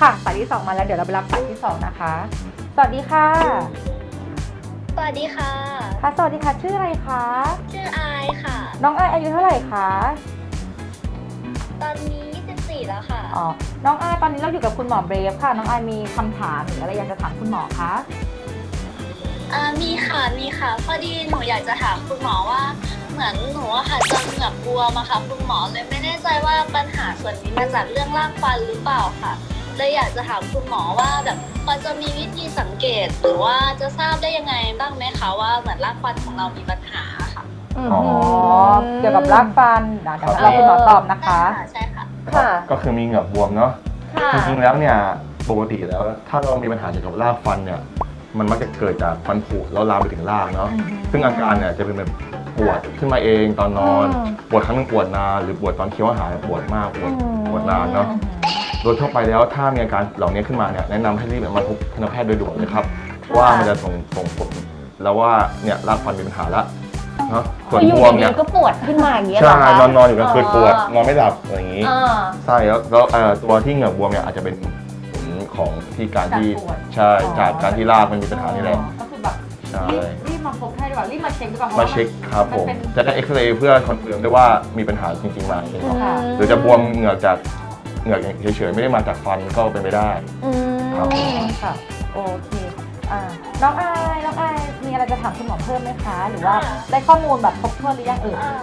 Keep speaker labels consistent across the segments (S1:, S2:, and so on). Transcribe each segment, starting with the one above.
S1: ค่ะสายที่2มาแล้วเดี๋ยวเราไปรับสายที่2นะคะสวัสดีค่ะ
S2: สวัสดีค่ะ
S1: ค่ะสวัสดีค่ะชื่ออะไรคะ
S2: ชื่ออายค่ะ
S1: น้องอายอายุเท่าไหร่คะ
S2: ตอนนี้24แล้วค่ะ
S1: อ๋อน้องอายตอนนี้เราอยู่กับคุณหมอเบรฟค่ะน้องอายมีคำถามหรืออะไรอยากจะถามคุณหมอคะ
S2: มีค่ะพอดีหนูอยากจะถามคุณหมอว่าเหมือนหนูอะค่ะจะเหงือกบวมอะค่ะคุณหมอเลยไม่แน่ใจว่าปัญหาส่วนนี้มาจากเรื่องรากฟันหรือเปล่าค่ะเลยอยากจะถามคุณหมอว่าแบบพอจะมีวิธีสังเกตหรือว่าจะทราบได้ยังไงบ้างไหมคะว่าเหมือนรากฟันของเรามีปัญหาค่ะ
S1: อ๋อเกี่ยวกับรากฟันเดี๋ยวเราคุณหมอตอบนะคะ
S2: ใช่ค่ะ
S3: ก็คือมีเหงือกบวมเนาะจริงๆแล้วเนี่ยปกติแล้วถ้าเรามีปัญหาเกี่ยวกับรากฟันเนี่ยมันมักจะเกิดจากฟันผุแล้วลามไปถึงรากเนาะซึ่งอาการเนี่ยจะเป็นแบบปวดขึ้นมาเองตอนนอนปวดครั้งนึงปวดนานหรือปวดตอนเคี้ยวอาหารปวดมากปวดนานเนาะโดยทั่วไปแล้วถ้ามีอาการเหล่านี้ขึ้นมาเนี่ยแนะนำให้รีบมาพบทันตแพทย์โดยด่วนเลยครับว่ามันจะส่งผลแล้วว่าเนี่ยรากฟันมีปัญหาละเนาะส่วนบวมเนี่ย
S4: ก็ปวดขึ้นมาอย่างเงี้ยเหร
S3: ใช่
S4: อคะ
S3: นอนอยู่กลางคืนปวดนอนไม่หลับอะไรอย่างนี้ใช่แล้วตัวที่เหงือกบวมเนี่ยอาจจะเป็นผลของที่การที่ใช่จากการที่รากมันมีปัญหานี่แหละ
S1: ก็คือแบบรีบมาพบแพทย์ดีกว่ารีบมาเช็คดีกว่า
S3: มาเช็คครับผมจะได้เอ็กซเรย์เพื่อคอนเฟิร์มได้ว่ามีปัญหาจริงๆไหมหรือจะบวมเหงือกจากเหงือกเฉยๆไม่ได้มาจากฟันก็เป็นไปได้ครับ
S1: ค่ะโอเคน้องอายมีอะไรจะถามคุณหมอเพิ่มไหมคะหรือว่าได้ข้อมูลแบบครบถ้วนหรือยัง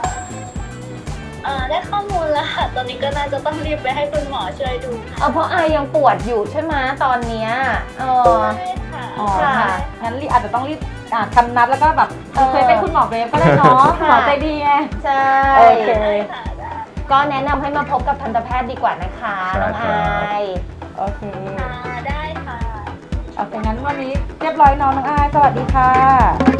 S2: ได้ข้อมูลแล้วค่ะตอนนี้ก็น่าจะต้องรีบไปให้คุณหมอช่วยดู
S4: เพราะอายยังปวดอยู่ใช่ไหมตอนเนี้ย
S2: ใช่ค่ะ
S1: ค่ะงั้นอาจจะต้องรีบคำนัดแล้วก็แบบเคยเป็นคุณหมอเบรฟก็ได้เนาะหมอใจดีไง
S4: ใช่
S1: โอเค
S4: ก็แนะนำให้มาพบกับทันตแพทย์ดีกว่านะคะน้องอาย
S1: โอเค
S2: ได้ค่ะ
S1: โอเคงั้นวันนี้เรียบร้อยน้องอายสวัสดีค่ะ